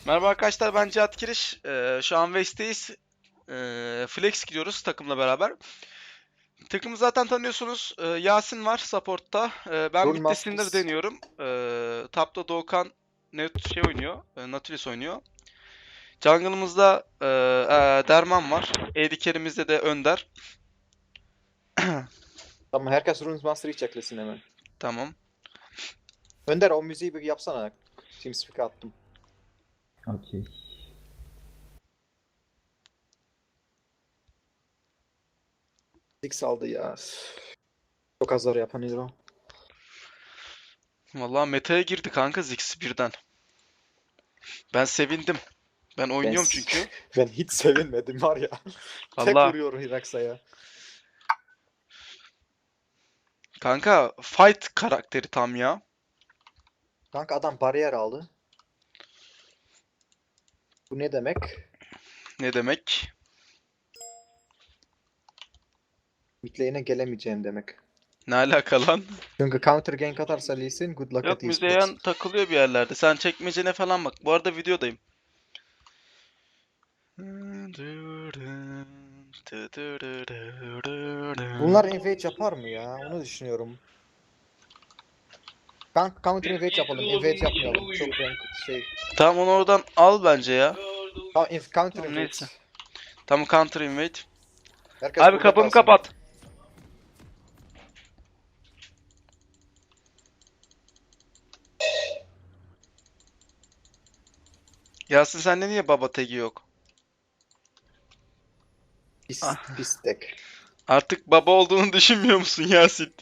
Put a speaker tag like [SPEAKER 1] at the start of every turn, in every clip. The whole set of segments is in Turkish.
[SPEAKER 1] Merhaba arkadaşlar, ben Cihat Kiriş. Şu an West'teyiz. Flex gidiyoruz takımla beraber. Takımı zaten tanıyorsunuz. Yasin var support'ta. Ben
[SPEAKER 2] Rune
[SPEAKER 1] mid'de Syndra
[SPEAKER 2] Masters.
[SPEAKER 1] deniyorum. Tap'ta Doğukan oynuyor. Nautilus oynuyor. Jungle'ımızda Derman var. AD carry'mizde de Önder.
[SPEAKER 2] Tamam, herkes Rune Master'ı çeklesin hemen.
[SPEAKER 1] Tamam.
[SPEAKER 2] Önder, o müziği bir yapsana. TeamSpeak'e attım.
[SPEAKER 3] Okey.
[SPEAKER 2] Six aldı ya. Çok azar yapan hero.
[SPEAKER 1] Vallahi meta'ya girdi kanka Ziggs birden. Ben sevindim. Ben
[SPEAKER 2] Ben,
[SPEAKER 1] oynuyorum çünkü.
[SPEAKER 2] ben hiç sevinmedim var ya. Tek
[SPEAKER 1] Vallahi
[SPEAKER 2] vuruyor Hiraxa'ya.
[SPEAKER 1] kanka fight karakteri tam ya.
[SPEAKER 2] Kanka adam bariyer aldı. Bu ne demek?
[SPEAKER 1] Ne demek?
[SPEAKER 2] Mid lane'e gelemeyeceğim demek.
[SPEAKER 1] Ne alaka lan?
[SPEAKER 2] Çünkü counter gank atarsa Lee Sin, good luck
[SPEAKER 1] Yok,
[SPEAKER 2] at esports.
[SPEAKER 1] Müzeyyen takılıyor bir yerlerde. Sen çekmecene falan bak. Bu arada videodayım.
[SPEAKER 2] Bunlar invade yapar mı ya? Onu düşünüyorum. Kanka counter invade yapalım. Invade yapmayalım. Çok rank şey.
[SPEAKER 1] Tamam, onu oradan al bence ya.
[SPEAKER 2] Tamam, counter
[SPEAKER 1] Tamam,
[SPEAKER 2] invade.
[SPEAKER 1] neyse. Tamam, counter invade.
[SPEAKER 2] Herkes
[SPEAKER 1] Abi
[SPEAKER 2] burada
[SPEAKER 1] kapımı
[SPEAKER 2] kalsın.
[SPEAKER 1] kapat. Yasin, sende niye baba tagi yok?
[SPEAKER 2] Pis,
[SPEAKER 1] Ah,
[SPEAKER 2] pis tek.
[SPEAKER 1] artık baba olduğunu düşünmüyor musun Yasin?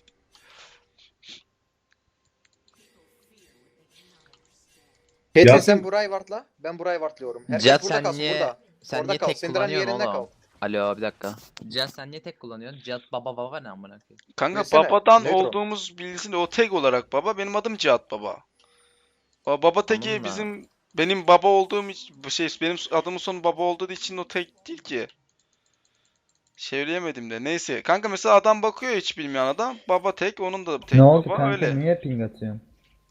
[SPEAKER 2] Caitlyn,
[SPEAKER 3] Ya
[SPEAKER 2] sen burayı wardla. Ben burayı wardlıyorum. Herkes
[SPEAKER 4] Cihat
[SPEAKER 2] burada kalsın, burada.
[SPEAKER 4] sen
[SPEAKER 2] Orada
[SPEAKER 4] niye
[SPEAKER 2] kal.
[SPEAKER 4] tek
[SPEAKER 2] Syndra'nın
[SPEAKER 4] kullanıyorsun
[SPEAKER 2] yerinde kal.
[SPEAKER 4] oğlum? Alo, bir dakika. Cihat sen niye tek kullanıyorsun? Cihat baba ne amına koyayım?
[SPEAKER 1] Kanka
[SPEAKER 2] Bilsene,
[SPEAKER 1] babadan
[SPEAKER 2] Neutron.
[SPEAKER 1] olduğumuz bilsin, o tag olarak baba. Benim adım Cihat Baba. O baba tagi
[SPEAKER 4] Tamam da.
[SPEAKER 1] benim baba olduğum benim adımın sonu baba olduğu için o tag değil ki. Çeviremedim de. Neyse. Kanka mesela adam bakıyor, hiç bilmeyen adam. Baba tek, onun da tek
[SPEAKER 3] ne oldu
[SPEAKER 1] baba,
[SPEAKER 3] kanka?
[SPEAKER 1] öyle.
[SPEAKER 3] Niye ping atıyorsun?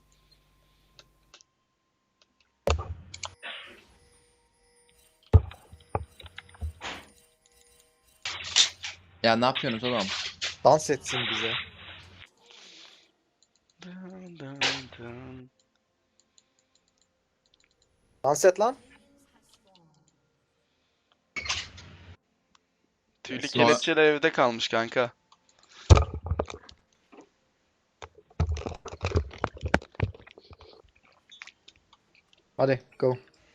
[SPEAKER 4] Ya ne yapıyorsunuz oğlum?
[SPEAKER 2] Dans etsin bize.
[SPEAKER 1] Dın dın dın.
[SPEAKER 2] Dans et lan.
[SPEAKER 1] Tüylü
[SPEAKER 4] Sonra-
[SPEAKER 1] kelepçeler evde kalmış kanka.
[SPEAKER 2] Hadi go.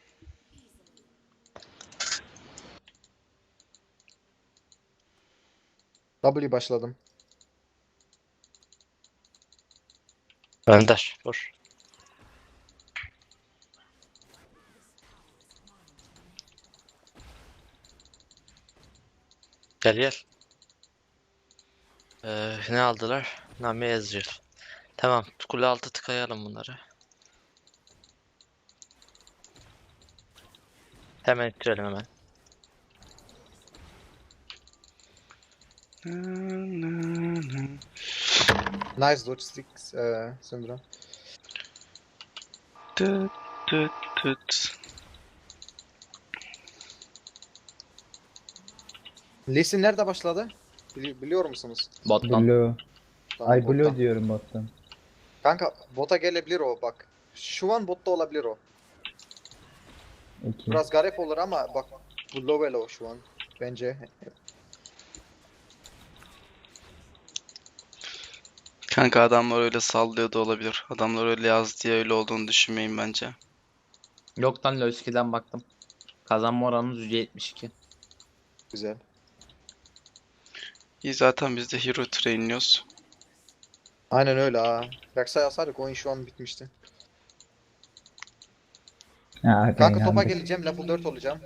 [SPEAKER 2] W başladım.
[SPEAKER 5] Önder, vur. Gel gel. Ne aldılar? Nami Ezreal. Tamam, kule altı tıkayalım bunları. Hemen ittirelim hemen.
[SPEAKER 2] Nice dodge sticks, Syndra.
[SPEAKER 1] Tıt tıt tıt.
[SPEAKER 2] Lee Sin nerede başladı? Biliyor musunuz?
[SPEAKER 4] Bottan.
[SPEAKER 3] Blue.
[SPEAKER 2] Tamam,
[SPEAKER 3] Ay Blue
[SPEAKER 2] bottan.
[SPEAKER 3] diyorum bottan.
[SPEAKER 2] Kanka bota gelebilir o bak. Şu an botta olabilir o.
[SPEAKER 3] 2.
[SPEAKER 2] Biraz garip olur ama bak, bu low elo şu an. Bence.
[SPEAKER 1] Kanka adamlar öyle sallıyor da olabilir. Adamlar öyle yazdı diye öyle olduğunu düşünmeyin bence.
[SPEAKER 4] Yok lan, Lowski'den baktım. Kazanma oranımız %72.
[SPEAKER 2] Güzel.
[SPEAKER 1] İyi, zaten biz de hero trainliyoruz.
[SPEAKER 2] Aynen öyle ha. Rek'Sai yazsaydık oyun şu an bitmişti.
[SPEAKER 3] Ha,
[SPEAKER 2] Kanka topa
[SPEAKER 3] inandık.
[SPEAKER 2] geleceğim, level 4 olacağım.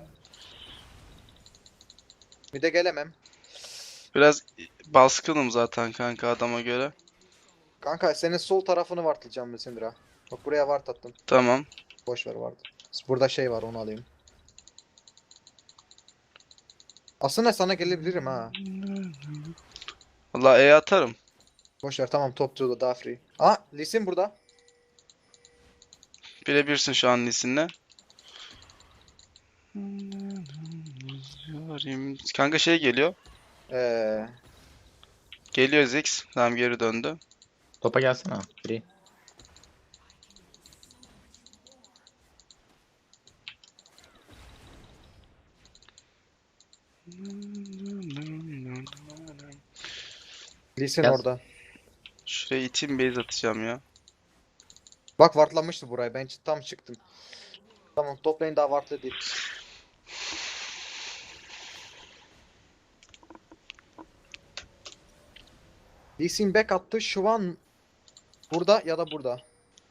[SPEAKER 2] Bir de gelemem.
[SPEAKER 1] Biraz baskınım zaten kanka adama göre.
[SPEAKER 2] Kanka senin sol tarafını wardlayacağım Syndra. Bak buraya ward attım.
[SPEAKER 1] Tamam.
[SPEAKER 2] Boş ver ward. Burada şey var, onu alayım. Aslında sana gelebilirim ha.
[SPEAKER 1] Vallahi atarım.
[SPEAKER 2] Boş ver, tamam, top 2'da daha free. Aa, Lee Sin burada.
[SPEAKER 1] Birebirsin şu an Lisin'le. Kanka şey geliyor.
[SPEAKER 2] Ee,
[SPEAKER 1] Geliyor Ziggs. Tamam geri döndü.
[SPEAKER 4] Topa gelsene. Free.
[SPEAKER 2] Lee Sin
[SPEAKER 4] Yaz.
[SPEAKER 2] orada.
[SPEAKER 1] Şuraya iteyim base atacağım ya.
[SPEAKER 2] Bak wardlamıştı burayı. Ben tam çıktım. Tamam, top lane daha wardlı değil. Lee Sin back attı. Şu an burada ya da burada.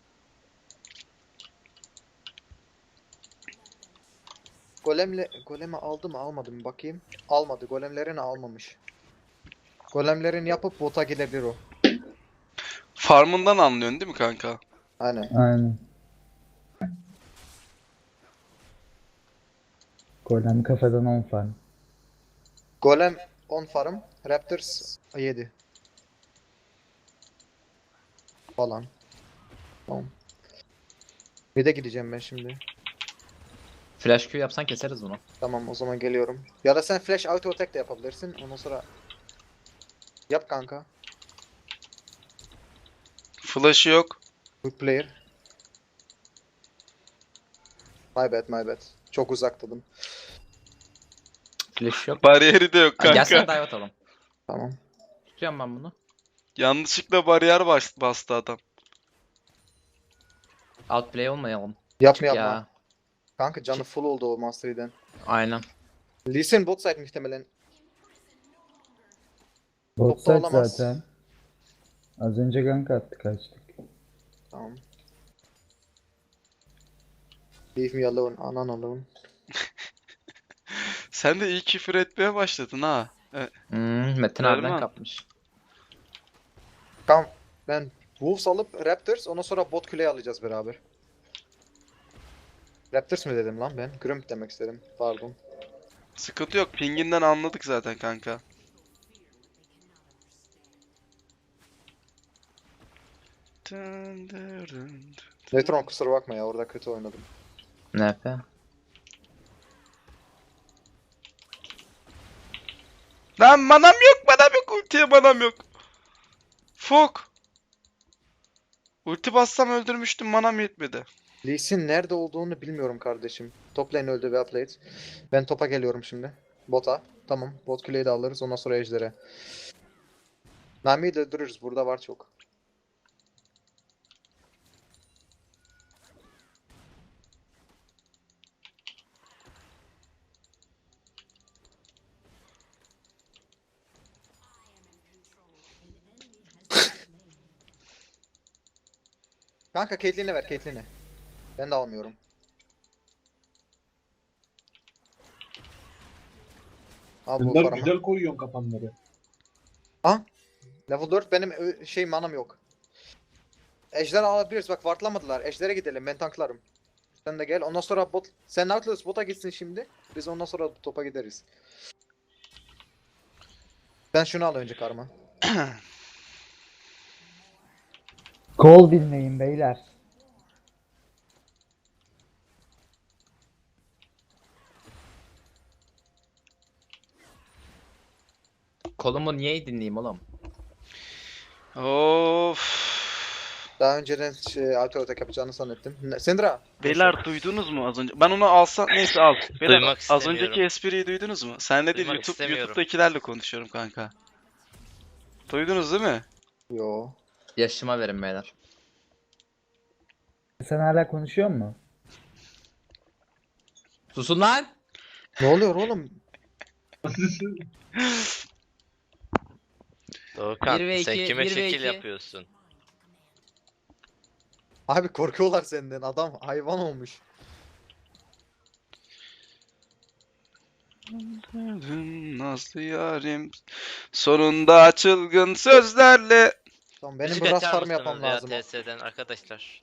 [SPEAKER 2] Golemi aldı mı almadı mı bakayım. Almadı. Golemlerini almamış. Golemlerini yapıp bota gidebilir o.
[SPEAKER 1] Farmından anlıyorsun değil mi kanka?
[SPEAKER 2] Aynen.
[SPEAKER 3] Aynen. Golem kafadan 10 farm.
[SPEAKER 2] Golem 10 farm. Raptors 7. Falan. Tamam. Bir de gideceğim ben şimdi.
[SPEAKER 4] Flash Q yapsan keseriz bunu.
[SPEAKER 2] Tamam, o zaman geliyorum. Ya da sen flash auto attack de yapabilirsin. Ondan sonra yap kanka.
[SPEAKER 1] Flash'ı yok.
[SPEAKER 2] Good player. My bad, my bad. Çok uzaktadım.
[SPEAKER 4] Flash yok.
[SPEAKER 1] Bariyeri de yok
[SPEAKER 4] Ha, gelsene
[SPEAKER 1] kanka.
[SPEAKER 4] dive atalım.
[SPEAKER 2] Tamam.
[SPEAKER 4] Tutuyorum ben bunu.
[SPEAKER 1] Yanlışlıkla bariyer bastı adam.
[SPEAKER 4] Outplay olmayalım.
[SPEAKER 2] Yapma yapma.
[SPEAKER 4] Ya.
[SPEAKER 2] Kanka canı full oldu o Mastery'den.
[SPEAKER 4] Aynen.
[SPEAKER 2] Lee Sin bot side muhtemelen.
[SPEAKER 3] Bot
[SPEAKER 2] Topta
[SPEAKER 3] side
[SPEAKER 2] olamaz.
[SPEAKER 3] zaten. Az önce gank attı kaçtık.
[SPEAKER 2] Tamam. Leave me alone, anan alone.
[SPEAKER 1] Sen de iyi küfür etmeye başladın ha.
[SPEAKER 4] Metin
[SPEAKER 1] Vermem.
[SPEAKER 4] abiden kapmış.
[SPEAKER 2] Tamam. Ben Wolves alıp Raptors, ondan sonra bot kuleyi alacağız beraber. Raptors mı dedim lan ben? Grump demek istedim. Pardon.
[SPEAKER 1] Sıkıntı yok. Pinginden anladık zaten kanka.
[SPEAKER 2] Netron kusura bakma ya, orada kötü oynadım.
[SPEAKER 4] NP.
[SPEAKER 1] Lan manam yok, manam yok. Ultiye manam yok. Fok. Ulti bassam öldürmüştüm, manam yetmedi.
[SPEAKER 2] Lee Sin nerede olduğunu bilmiyorum kardeşim. Top lane öldü ve played. Ben topa geliyorum şimdi. Bota. Tamam. Bot kuleyi de alırız. Ondan sonra ejder'e. Nami'yi de öldürürüz. Burada var çok. Kanka Caitlyn'e ver, Caitlyn'e. Ben de almıyorum. Al bu
[SPEAKER 6] Bunlar
[SPEAKER 2] paramı.
[SPEAKER 6] güzel koyuyorsun kapanları.
[SPEAKER 2] Level 4 benim manam yok. Ejder alabiliriz. Bak wardlamadılar. Ejder'e gidelim. Ben tanklarım. Sen de gel. Ondan sonra bot. Sen Nautilus bota gitsin şimdi. Biz ondan sonra topa gideriz. Ben şunu al önce karma.
[SPEAKER 3] Kol dinleyin beyler.
[SPEAKER 4] Kolumu niye dinleyeyim oğlum?
[SPEAKER 1] Of.
[SPEAKER 2] Daha önceden auto attack yapacağını zannettim. Syndra.
[SPEAKER 1] Beyler duydunuz mu az önce? Ben onu alsam neyse al. Beyler
[SPEAKER 5] Duymak
[SPEAKER 1] az
[SPEAKER 5] istemiyorum.
[SPEAKER 1] önceki espriyi duydunuz mu? Senle değil
[SPEAKER 5] Duymak istemiyorum.
[SPEAKER 1] YouTube'dakilerle konuşuyorum kanka. Duydunuz değil mi?
[SPEAKER 2] Yo.
[SPEAKER 4] Yaşıma verin beyler.
[SPEAKER 3] Sen hala konuşuyor musun?
[SPEAKER 4] Susun lan!
[SPEAKER 2] Ne oluyor oğlum?
[SPEAKER 5] Doğukan
[SPEAKER 4] Bir ve
[SPEAKER 5] sen
[SPEAKER 4] iki,
[SPEAKER 5] kime
[SPEAKER 4] bir ve
[SPEAKER 5] şekil
[SPEAKER 4] iki.
[SPEAKER 5] yapıyorsun?
[SPEAKER 2] Abi korkuyorlar senden. Adam hayvan olmuş.
[SPEAKER 1] Nazlı yarim sonunda çılgın sözlerle.
[SPEAKER 2] Tamam, benim
[SPEAKER 5] Müzik
[SPEAKER 2] biraz
[SPEAKER 5] açar
[SPEAKER 2] farm yapmam
[SPEAKER 5] mısınız
[SPEAKER 2] lazım.
[SPEAKER 5] ya TS'den arkadaşlar?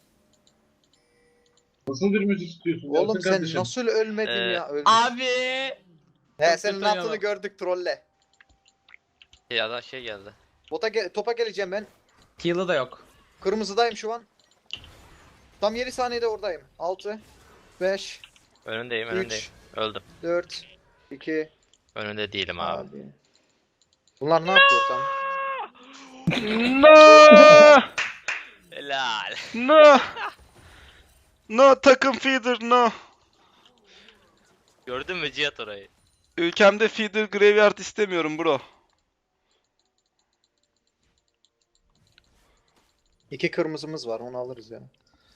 [SPEAKER 6] Nasıl bir müzik istiyorsun?
[SPEAKER 2] Oğlum
[SPEAKER 6] Yasin
[SPEAKER 2] sen
[SPEAKER 6] kardeşim?
[SPEAKER 2] nasıl ölmedin
[SPEAKER 5] Ee,
[SPEAKER 2] ya? Ölmüş.
[SPEAKER 4] Abi!
[SPEAKER 2] He,
[SPEAKER 4] çok
[SPEAKER 2] senin
[SPEAKER 4] kötü
[SPEAKER 2] ne yaptığını
[SPEAKER 4] oynadım.
[SPEAKER 2] gördük, trolle.
[SPEAKER 5] Ya da şey geldi.
[SPEAKER 2] Topa geleceğim ben.
[SPEAKER 4] Heal'ı da yok.
[SPEAKER 2] Kırmızıdayım şu an. Tam 7 saniyede oradayım. 6 5
[SPEAKER 5] Önündeyim önündeyim.
[SPEAKER 2] 3,
[SPEAKER 5] Öldüm.
[SPEAKER 2] 4, 2,
[SPEAKER 5] Önünde değilim abi.
[SPEAKER 2] abi. Bunlar ne yapıyor tam?
[SPEAKER 1] No!
[SPEAKER 5] Helal.
[SPEAKER 1] No! No takım feeder no.
[SPEAKER 5] Gördün mü Cihat orayı?
[SPEAKER 1] Ülkemde feeder graveyard istemiyorum bro.
[SPEAKER 2] 2 kırmızımız var, onu alırız ya.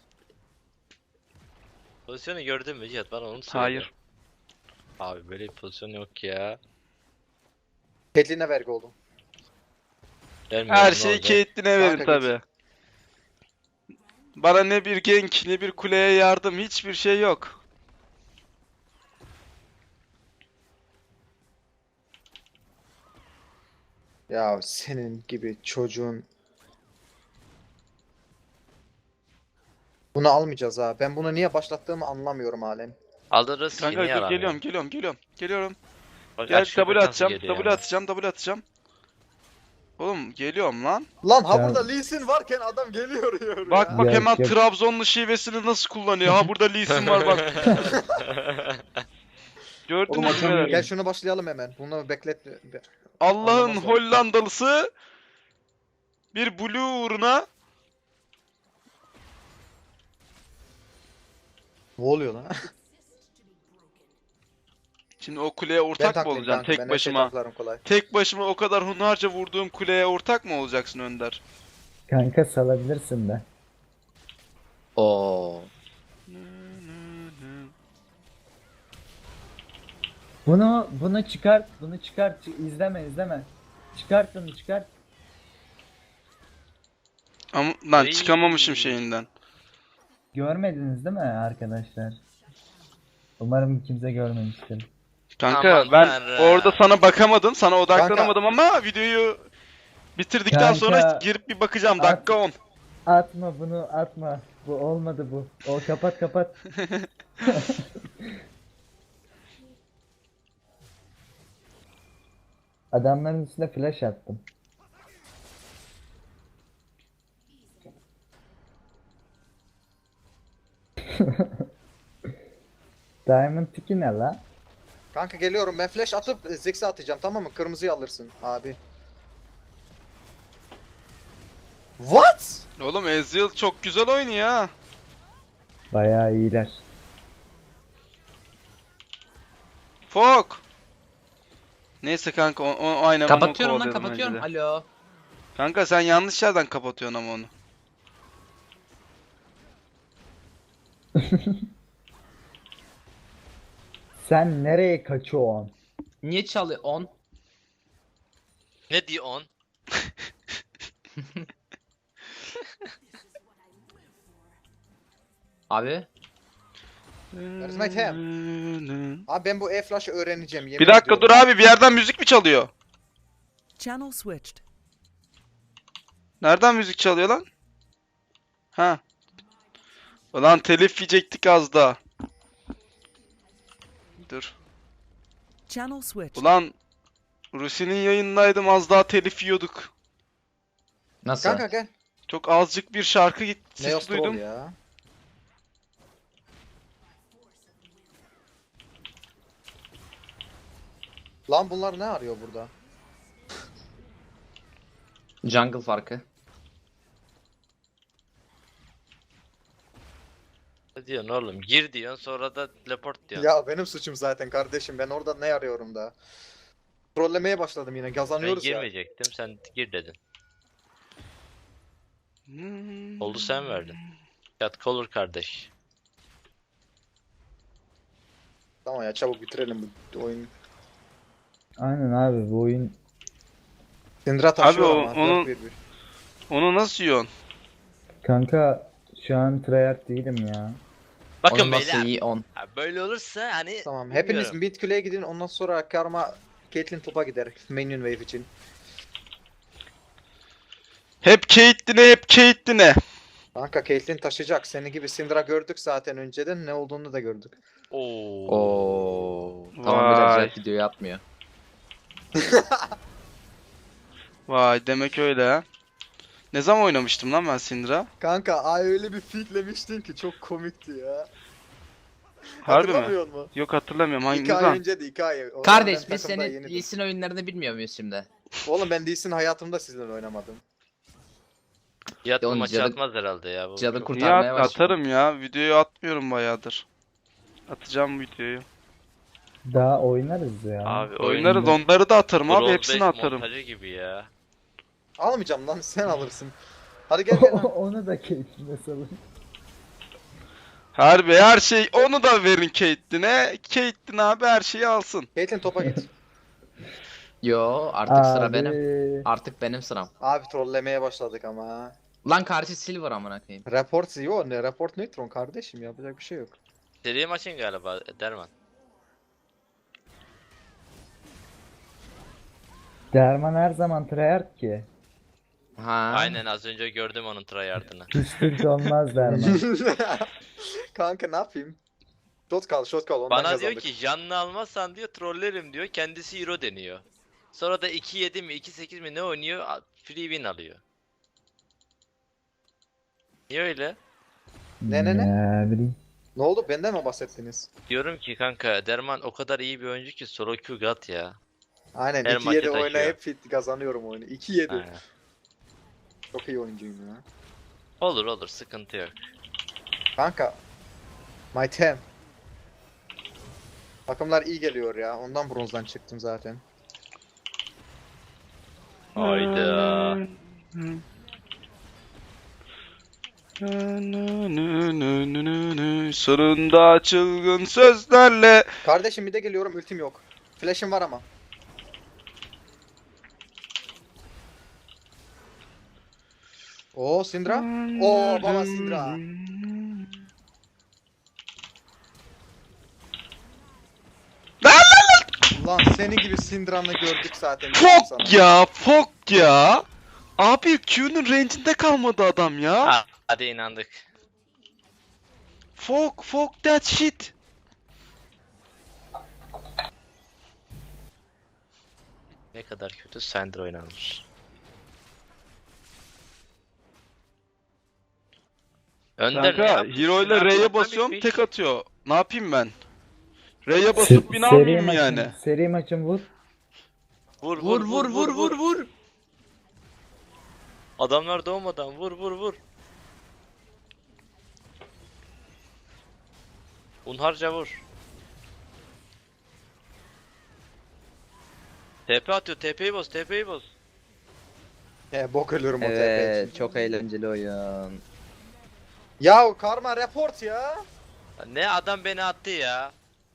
[SPEAKER 5] Pozisyonu gördün mü Cihat? Bana onu söyle.
[SPEAKER 1] Hayır.
[SPEAKER 5] Abi böyle bir pozisyon yok ya.
[SPEAKER 2] Caitlyn'e vergi oldu.
[SPEAKER 5] Vermiyorum,
[SPEAKER 1] Her
[SPEAKER 5] ne
[SPEAKER 1] şeyi
[SPEAKER 5] olacak?
[SPEAKER 1] Caitlyn'e verin
[SPEAKER 2] Kanka
[SPEAKER 1] tabi. Bana ne bir gank ne bir kuleye yardım hiçbir şey yok.
[SPEAKER 2] Ya senin gibi çocuğun. Bunu almayacağız ha. Ben bunu niye başlattığımı anlamıyorum halen.
[SPEAKER 5] Alırız ki
[SPEAKER 1] Kanka
[SPEAKER 5] niye
[SPEAKER 1] dur
[SPEAKER 5] aramıyor?
[SPEAKER 1] geliyorum.
[SPEAKER 5] Bak,
[SPEAKER 1] Gel
[SPEAKER 5] aç şuna
[SPEAKER 1] W
[SPEAKER 5] bak nasıl
[SPEAKER 1] atacağım,
[SPEAKER 5] geliyor
[SPEAKER 1] W
[SPEAKER 5] ya.
[SPEAKER 1] atacağım. Oğlum geliyorum lan.
[SPEAKER 2] Lan ha
[SPEAKER 3] Ya-
[SPEAKER 2] burada Lee Sin varken adam geliyor diyor
[SPEAKER 1] Bak
[SPEAKER 2] ya.
[SPEAKER 1] bak
[SPEAKER 3] Ya,
[SPEAKER 1] hemen
[SPEAKER 3] ya-
[SPEAKER 1] Trabzonlu şivesini nasıl kullanıyor. Ha burada Lee Sin var bak. Gördün
[SPEAKER 6] Oğlum
[SPEAKER 1] mü?
[SPEAKER 6] atamıyorum.
[SPEAKER 1] beyler?
[SPEAKER 2] Gel şunu başlayalım hemen. Bunu beklet.
[SPEAKER 1] Allah'ın
[SPEAKER 2] Anlamaz o.
[SPEAKER 1] Hollandalısı bir blue uğruna
[SPEAKER 2] Ne oluyor lan?
[SPEAKER 1] şimdi o kuleye
[SPEAKER 2] Ben
[SPEAKER 1] ortak mı
[SPEAKER 2] taklayayım
[SPEAKER 1] olacaksın
[SPEAKER 2] kanka.
[SPEAKER 1] tek
[SPEAKER 2] Ben her şeyi
[SPEAKER 1] başıma?
[SPEAKER 2] taklarım kolay.
[SPEAKER 1] Tek başıma o kadar hunharca vurduğum kuleye ortak mı olacaksın Önder?
[SPEAKER 3] Kanka salabilirsin de.
[SPEAKER 4] Oo.
[SPEAKER 3] Bunu çıkart. Bunu çıkart. İzleme. Çıkart bunu çıkart.
[SPEAKER 1] Ama lan
[SPEAKER 5] Ay.
[SPEAKER 1] çıkamamışım şeyinden.
[SPEAKER 3] Görmediniz değil mi arkadaşlar? Umarım kimse görmemiştir.
[SPEAKER 1] Kanka
[SPEAKER 5] Aman
[SPEAKER 1] ben
[SPEAKER 5] Tanrım.
[SPEAKER 1] orada sana bakamadım, sana odaklanamadım ama videoyu bitirdikten
[SPEAKER 3] Kanka,
[SPEAKER 1] sonra girip bir bakacağım.
[SPEAKER 3] at-
[SPEAKER 1] Dakika 10.
[SPEAKER 3] Atma bunu atma. Bu olmadı bu. O kapat. Adamların üstüne flash attım. Diamond tiki ne la?
[SPEAKER 2] Kanka geliyorum. Ben flash atıp Ziggs'e atacağım, tamam mı? Kırmızıyı alırsın abi. What?
[SPEAKER 1] Oğlum Ezreal çok güzel oynuyor ha.
[SPEAKER 3] Bayağı iyiler.
[SPEAKER 1] Fok. Neyse kanka o aynen onu
[SPEAKER 4] Kapatıyorum lan
[SPEAKER 1] kovalıyordum
[SPEAKER 4] kapatıyorum.
[SPEAKER 1] önce de.
[SPEAKER 4] Alo.
[SPEAKER 1] Kanka sen yanlış yerden kapatıyorsun ama onu.
[SPEAKER 3] Sen nereye kaçıyorsun?
[SPEAKER 4] Niye çalıyor? 10.
[SPEAKER 5] Ne diyor on?
[SPEAKER 4] Abi.
[SPEAKER 2] Where's my tab? Abi ben bu E-Flash'ı öğreneceğim. Yemin
[SPEAKER 1] Bir dakika
[SPEAKER 2] ediyorum.
[SPEAKER 1] dur abi, bir yerden müzik mi çalıyor?
[SPEAKER 7] Channel switched.
[SPEAKER 1] Nereden müzik çalıyor lan? Ha. Ulan telif yiyecektik az daha. Dur.
[SPEAKER 7] Channel switched.
[SPEAKER 1] Ulan Rusi'nin yayınındaydım, az daha telif yiyorduk.
[SPEAKER 4] Nasıl?
[SPEAKER 2] Kanka gel.
[SPEAKER 1] Çok azıcık bir şarkı sesi
[SPEAKER 2] Neos Troll
[SPEAKER 1] duydum.
[SPEAKER 2] ya. Lan bunlar ne arıyor burada?
[SPEAKER 4] Jungle farkı.
[SPEAKER 5] Ne diyorsun oğlum? Gir diyorsun sonra da teleport diyorsun.
[SPEAKER 2] Ya benim suçum zaten kardeşim. Ben orada ne arıyorum da? Trollemeye başladım yine.
[SPEAKER 5] Ben
[SPEAKER 2] Gazanıyoruz ya.
[SPEAKER 5] girmeyecektim, sen gir dedin. Oldu sen verdin. Yat olur kardeş.
[SPEAKER 2] Tamam ya, çabuk bitirelim bu oyunu.
[SPEAKER 3] Aynen abi bu oyun
[SPEAKER 2] Syndra taşıyor
[SPEAKER 1] o-
[SPEAKER 2] ama.
[SPEAKER 1] onun-
[SPEAKER 2] 4-1-1.
[SPEAKER 1] Onu nasıl yiyorsun?
[SPEAKER 3] kanka şu an tryhard değilim ya.
[SPEAKER 5] Bakın
[SPEAKER 4] Onun nasıl
[SPEAKER 5] beyler.
[SPEAKER 4] iyi 10.
[SPEAKER 5] Ha, böyle olursa hani
[SPEAKER 2] Tamam.
[SPEAKER 5] bilmiyorum.
[SPEAKER 2] Hepiniz mid kule'ye gidin. Ondan sonra Karma Caitlyn topa gider. Minion wave için.
[SPEAKER 1] Hep Caitlyn'e.
[SPEAKER 2] Kanka Caitlyn taşıyacak. Seni gibi Syndra gördük zaten önceden. Ne olduğunu da gördük.
[SPEAKER 5] Oo.
[SPEAKER 4] Oo. Tamam
[SPEAKER 1] Vay.
[SPEAKER 4] beyler video yapmıyor.
[SPEAKER 1] Vay demek öyle ha. Ne zaman oynamıştım lan ben Syndra?
[SPEAKER 2] Kanka ay öyle bir fitlemiştin ki çok komikti ya.
[SPEAKER 1] Harbi mi?
[SPEAKER 2] Hatırlamıyor musun?
[SPEAKER 1] Yok hatırlamıyorum.
[SPEAKER 2] 2
[SPEAKER 1] Hanginiz
[SPEAKER 2] ay
[SPEAKER 1] lan?
[SPEAKER 2] önceydi 2 ay. O zaman
[SPEAKER 4] Kardeş
[SPEAKER 2] ben
[SPEAKER 4] biz
[SPEAKER 2] takımda
[SPEAKER 4] senin
[SPEAKER 2] yeniydim.
[SPEAKER 4] Lee Sin oyunlarını bilmiyor muyuz şimdi?
[SPEAKER 2] Oğlum ben Lee Sin hayatımda sizinle oynamadım.
[SPEAKER 5] Yat
[SPEAKER 4] Oğlum,
[SPEAKER 5] maçı
[SPEAKER 4] cadı-
[SPEAKER 5] atmaz herhalde ya. Bu
[SPEAKER 4] cadı
[SPEAKER 5] çok-
[SPEAKER 4] kurt-
[SPEAKER 1] Niye
[SPEAKER 4] Kurtarmaya başladım.
[SPEAKER 1] atarım ya? Videoyu atmıyorum bayağıdır. Atacağım videoyu.
[SPEAKER 3] Daha oynarız ya.
[SPEAKER 5] Abi
[SPEAKER 1] Oynarız, onları da atarım abi,
[SPEAKER 5] Brawl
[SPEAKER 1] hepsini
[SPEAKER 5] 5
[SPEAKER 1] atarım.
[SPEAKER 5] montajı gibi ya.
[SPEAKER 2] Almayacağım lan sen alırsın. Hadi gel gel lan.
[SPEAKER 3] Onu da keyfine salın.
[SPEAKER 1] Harbi her şey, onu da verin Caitlyn'e. Caitlyn abi her şeyi alsın.
[SPEAKER 2] Caitlyn topa git.
[SPEAKER 4] Yo artık sıra
[SPEAKER 3] Abi.
[SPEAKER 4] benim. Artık benim sıram.
[SPEAKER 2] Abi trollemeye başladık ama.
[SPEAKER 4] Lan karşı Silver amına koyayım.
[SPEAKER 2] Report yo ne report neutron kardeşim yapacak bir şey yok.
[SPEAKER 5] Seri maçın galiba Derman.
[SPEAKER 3] Derman her zaman tryhard ki.
[SPEAKER 4] Ha.
[SPEAKER 5] Aynen az önce gördüm onun tryhard'ını.
[SPEAKER 3] Hiç Türk olmaz Derman.
[SPEAKER 2] Kanka ne yapayım? Shot kal ondan
[SPEAKER 5] Bana
[SPEAKER 2] kazandık.
[SPEAKER 5] diyor ki canlı almazsan diyor trollerim diyor. Kendisi hero deniyor. Sonra da 2-7 mi 2-8 mi ne oynuyor? Free win alıyor. Niye öyle?
[SPEAKER 2] Ne?
[SPEAKER 3] Ne bileyim.
[SPEAKER 2] Ne oldu benden mi bahsettiniz?
[SPEAKER 5] Diyorum ki kanka Derman o kadar iyi bir oyuncu ki solo Q gat ya.
[SPEAKER 2] Aynen
[SPEAKER 5] Her
[SPEAKER 2] 2-7
[SPEAKER 5] maçı taşıyor.
[SPEAKER 2] oynayıp fit kazanıyorum oyunu. 2-7.
[SPEAKER 5] Aynen.
[SPEAKER 2] Çok iyi oyuncuyum ya.
[SPEAKER 5] Olur olur sıkıntı yok.
[SPEAKER 2] Kanka. My team. Takımlar iyi geliyor ya. Ondan bronzdan çıktım zaten.
[SPEAKER 5] Hayda.
[SPEAKER 1] Sonunda çılgın sözlerle.
[SPEAKER 2] Kardeşim bir de geliyorum ultim yok. Flash'im var ama. Oo Syndra. Oo baba Syndra. Lan senin gibi Syndra'nı gördük zaten. diyorum sana.
[SPEAKER 1] Fok ya, fok ya. Abi Q'nun range'inde kalmadı adam ya.
[SPEAKER 5] Ha, hadi inandık.
[SPEAKER 1] Fok that shit.
[SPEAKER 5] Ne kadar kötü Syndra oynanmış. Önder ne
[SPEAKER 1] Kanka
[SPEAKER 5] yaptın?
[SPEAKER 1] hero ile
[SPEAKER 5] Silah
[SPEAKER 1] R'ye
[SPEAKER 5] kullanma
[SPEAKER 1] basıyorum
[SPEAKER 5] bitmiş.
[SPEAKER 1] tek atıyor. Ne yapayım ben? R'ye basıp bin almayayım mı yani?
[SPEAKER 3] Seri maçın vur.
[SPEAKER 5] Vur
[SPEAKER 4] Vur.
[SPEAKER 5] Adamlar doğmadan vur. Unharca vur. TP atıyor, TP'yi boz.
[SPEAKER 2] Bok ölüyorum o TP
[SPEAKER 4] Evet
[SPEAKER 2] için.
[SPEAKER 4] çok eğlenceli oyun.
[SPEAKER 2] Ya karma report ya.
[SPEAKER 5] Ne adam beni attı ya.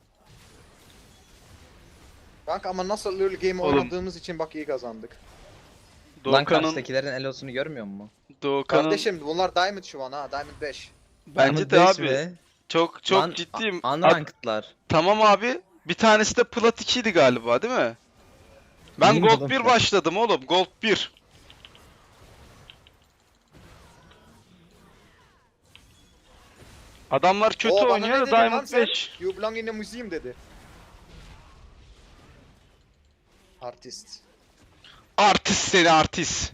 [SPEAKER 2] Kanka ama nasıl early game
[SPEAKER 1] Oğlum.
[SPEAKER 2] oynadığımız için bak iyi kazandık.
[SPEAKER 4] Lan
[SPEAKER 1] Doğukan'ın
[SPEAKER 4] karşıdakilerin elosunu görmüyor musun?
[SPEAKER 2] Kardeşim bunlar Diamond şu an ha. Diamond 5.
[SPEAKER 1] bence de
[SPEAKER 4] Diamond beş
[SPEAKER 1] abi.
[SPEAKER 4] mi?
[SPEAKER 1] Çok
[SPEAKER 4] Lan,
[SPEAKER 1] ciddiyim.
[SPEAKER 4] Unranked'lar.
[SPEAKER 1] Tamam abi. Bir tanesi de Plat 2'ydi galiba değil mi? Ben
[SPEAKER 4] İyi
[SPEAKER 1] Gold
[SPEAKER 4] oğlum
[SPEAKER 1] 1
[SPEAKER 4] ya.
[SPEAKER 1] başladım oğlum. Gold 1. Adamlar kötü
[SPEAKER 2] Oo, bana
[SPEAKER 1] oynuyor
[SPEAKER 2] ne
[SPEAKER 1] da
[SPEAKER 2] dedin lan
[SPEAKER 1] Diamond
[SPEAKER 2] sen?
[SPEAKER 1] 5.
[SPEAKER 2] You belong in a museum dedi. Artist.
[SPEAKER 1] Artist seni artist.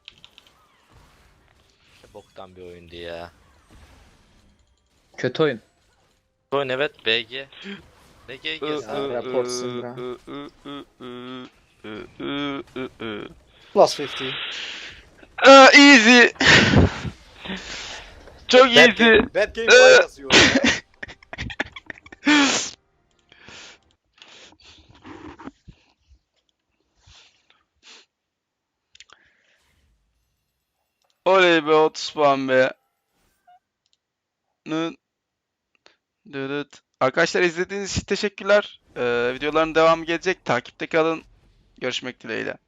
[SPEAKER 5] Boktan bir oyundu ya.
[SPEAKER 4] Kötü oyun.
[SPEAKER 5] Oyun evet BG. BG
[SPEAKER 2] Rapor Syndra. Plus 50.
[SPEAKER 1] Easy. Çok easy.
[SPEAKER 2] Bad game var yazıyor.
[SPEAKER 1] Oley be 30 puan be. Dırıt. Arkadaşlar izlediğiniz için teşekkürler. Videoların devamı gelecek. Takipte kalın. Görüşmek dileğiyle.